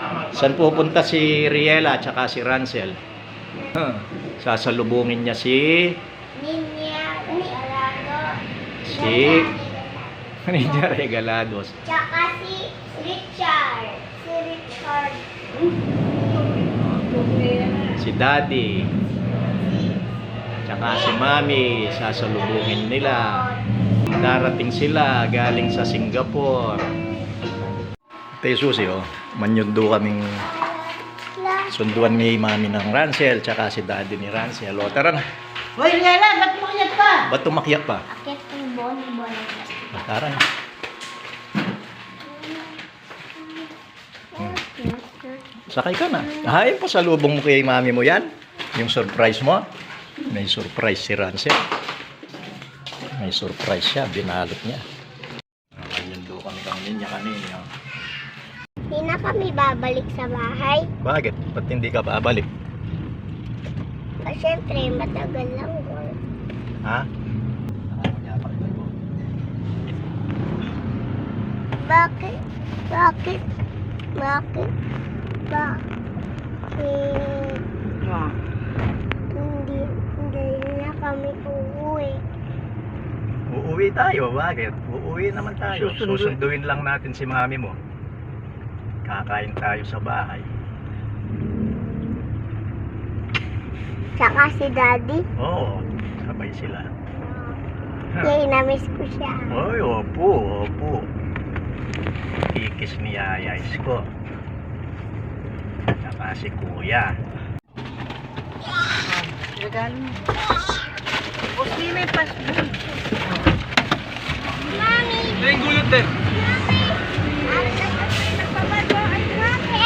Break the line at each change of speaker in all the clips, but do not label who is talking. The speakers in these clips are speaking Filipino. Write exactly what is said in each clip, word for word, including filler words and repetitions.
Saan pupunta si Riela at saka si Ransel? Huh. Sasalubungin niya si...
Ninya Regalado.
Si... Ninya Regalados.
Tsaka si Richard. Si Richard.
Si Daddy. Tsaka si Mami. Sasalubungin nila. Darating sila galing sa Singapore. Ito yung susi, oh. Manyundo kaming sunduan ni Mami ng Ransel, tsaka si Daddy ni Ransel. O, tara na.
Hoy, Riela, ba't umakyat pa?
Ba't tumakyak pa?
Akit ng bonibon.
O, tara na. Hmm. Sakay ka na. Hay, pasalubong mo kay Mami mo yan. Yung surprise mo. May surprise si Ransel. May surprise siya. Binalot niya. Manyundo kami kang ninya kanina.
Hindi na kami babalik sa bahay.
Bakit? Ba't hindi ka babalik?
Kasi syempre, matagal lang yun.
Ha?
Bakit? Bakit? Bakit? Bakit?
Ah.
Hindi, hindi na kami uuwi.
Uuwi tayo. Bakit? Uuwi naman tayo.
Susunduin.
Susunduin lang natin si Mami mo. Kakain tayo sa bahay.
Tsaka si Daddy.
Oo, sabay sila.
Yay, na-miss ko siya.
Oy, opo, opo. Kikis ni Yaya Isko. Saka si Kuya.
Regalo mo. Pusli may pasbun.
Mami!
Ito yung gulot din.
Mami! Ang nagpapay nagpabago ay mami!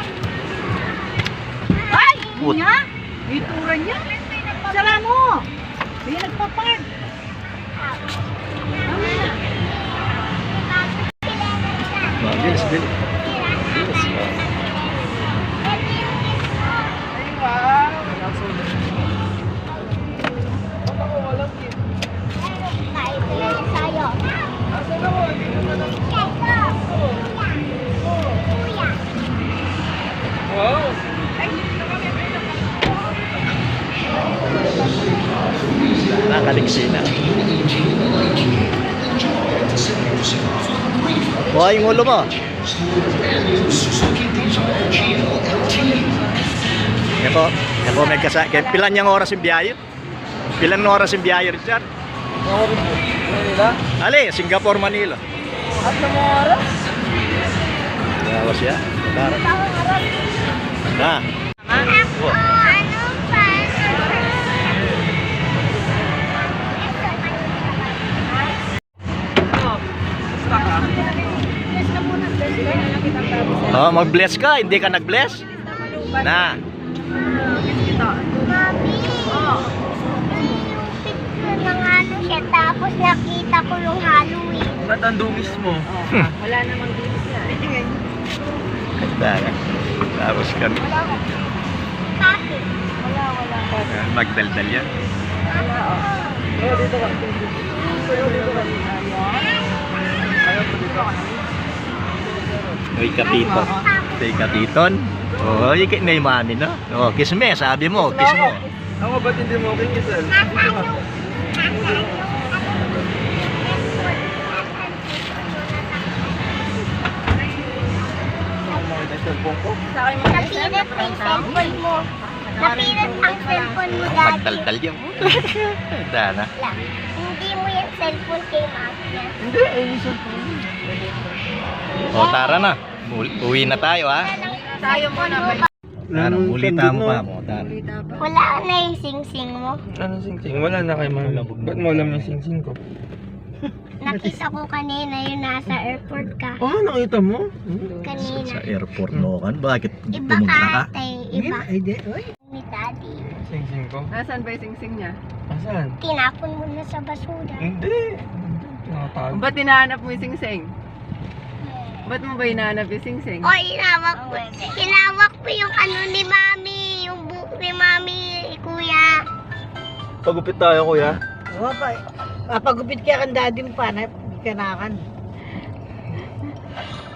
Ay!
Put.
Niya? Itura niya? Sara mo! Hindi nagpapag.
Oh, bilis, bilis. Bilis.
Ay, wow!
Nakaliksi na. Buhay yung ulo mo. Yan po. Yan po may kasa. Pilan yung oras yung biyahe? Pilan yung oras yung biyahe, Richard?
Manila?
Ali, Singapore, Manila.
At na mga oras?
Yawas ya. Tara. Na.
Ako, ano pa?
Oh, mag-bless ka. Hindi ka nag-bless? Na.
Mami, yung picture ng ano siya, tapos nakita ko yung Halloween.
Ba't ang dungis mo?
Wala namang dinis yan.
Ganda ka. Tapos ka.
Bakit?
Wala, wala.
Magdaldal yan.
Wala, oh. Pero dito ka. Pero dito ka. Ayaw po dito ka.
Uy, kapiton. Uy, kapiton. Oh, ikit na yung mami, no? Oh, kiss me, sabi mo, kiss mo.
Ako, ba't hindi mo okay kisal?
Nasaan yung, nasaan yung,
May cellphone ko?
Sa akin mo.
napilit yung cellphone mo. Napilit ang cellphone mo, Daddy.
Magdaldal yan. Ganda na.
Lang. Hindi mo yung cellphone kay Mami niya.
Hindi, ay yung cellphone.
O, tara na. U- Uwi na tayo, ha?
Tayo mo na ba?
Tara, ulita mo pa mo. Tara.
Wala na yung sing-sing mo.
Ano sing-sing? Wala na kay mami. Ba't mo alam yung sing-sing ko?
Nakita ko kanina yung nasa airport ka.
Oh, nakita mo?
Kanina.
Sa airport no kan. Bakit
Iba
pumunta ka?
ka, tay. Iba.
Hindi, oy.
Ni Daddy.
Sing-sing ko?
Nasaan ba yung sing-sing niya?
Asan?
Tinapon mo na sa basura.
Hindi. Tinatago.
Ba't hinahanap mo yung sing-sing? Ba't mo ba hinahanap yung sing-sing?
O, inawak ko. Inawak ko yung ano ni Mami. Yung buhok ni Mami, Kuya.
Pagupit tayo, kuya.
Oo pa. Papagupit kaya kan daddy mo pa. Kanakan.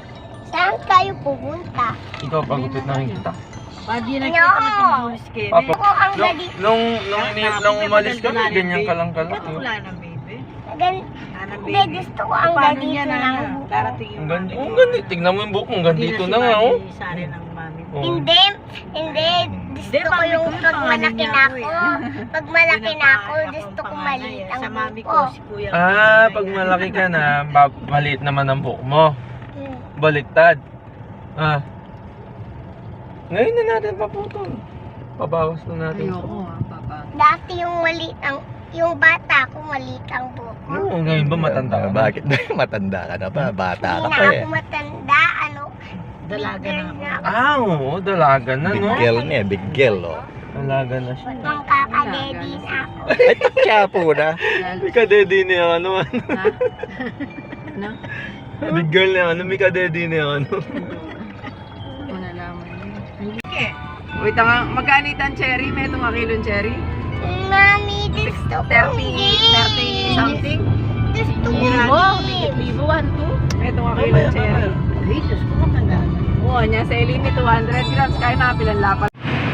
Saan kayo pupunta?
Ikaw, pagupit namin kita.
Pwede na
No!
kita mag-ulis kayo.
Papa,
Ako ang
nung,
galit.
nung, nung, ini- nung umalis kami, ganyan ka lang kalat.
Ba't wala na, baby?
Gan
Wala na,
Hindi,
baby.
gusto ko ang
Paano
ganito
yan,
ng
Ana?
buko.
Darating yung
Ang ganda,
mami
ang
mo.
ganda. Tignan mo yung buhok mo, ang
Hindi
gandito
si
na nga,
mami,
oh.
Sari ng mami mo.
Oh.
Hindi, hindi. Gusto ko
mami
yung
ko yung
pag
pangalan
malaki
niya
na
ako,
ako.
eh.
Pag malaki
Hindi
na
pa
ako,
akong
gusto ko
panganay,
maliit
eh.
ang
Sa mami ko,
buko.
si kuya.
Ah, pag malaki ka na, ba- maliit naman ang buhok mo.
Hmm.
Baliktad. Ah. Ngayon na natin paputol. Pabawas na natin.
Ayoko ah, papa.
Dati yung maliit ang, yung bata ko maliit ang buko.
Oo, ngayon ba matanda ka na?
Bakit? Matanda ka na pa. Bata ka
Hindi
pa
na
eh.
ako matanda, ano.
Dalaga
big
na
girl
ako.
ako.
Ah, oo, dalaga na,
Big
no?
girl niya, big girl, oh.
Dalaga na siya.
Magkakadedi na ako.
Ay, tatya po na.
May kadedi na yung ano, ano.
Ha? Ano?
Big girl na yung ano, may kadedi na yung ano.
Malalaman yun. Wait, nga, magkano ang cherry? May itong kilong cherry?
Mami, gusto ko
thirty, thirty something?
Gusto ko
Libo?
game.
Libo, one, two? May itong kilong cherry. Ay, Diyos ko, matanda. Oo, niya sa limit two hundred grams. Kaya nakapilan lapat.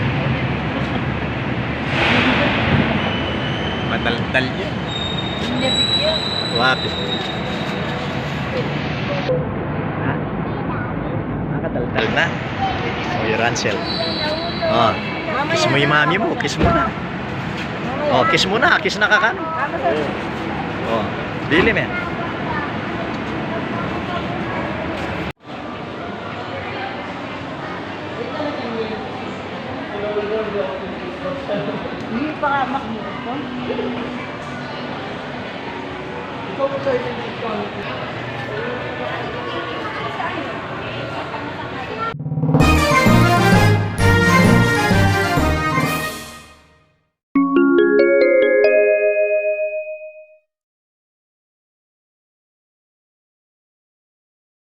Mataltal yan.
Hindi, bigyan.
Wapi. Nakataltal na. Oh, yung Ransel. Oh, kiss mo yung mami mo. Kiss mo na. Oh, kiss mo na. Kiss na ka kan. Oh, dili men.
Hindi pa ka makikita.
Ikaw mo sa'yo,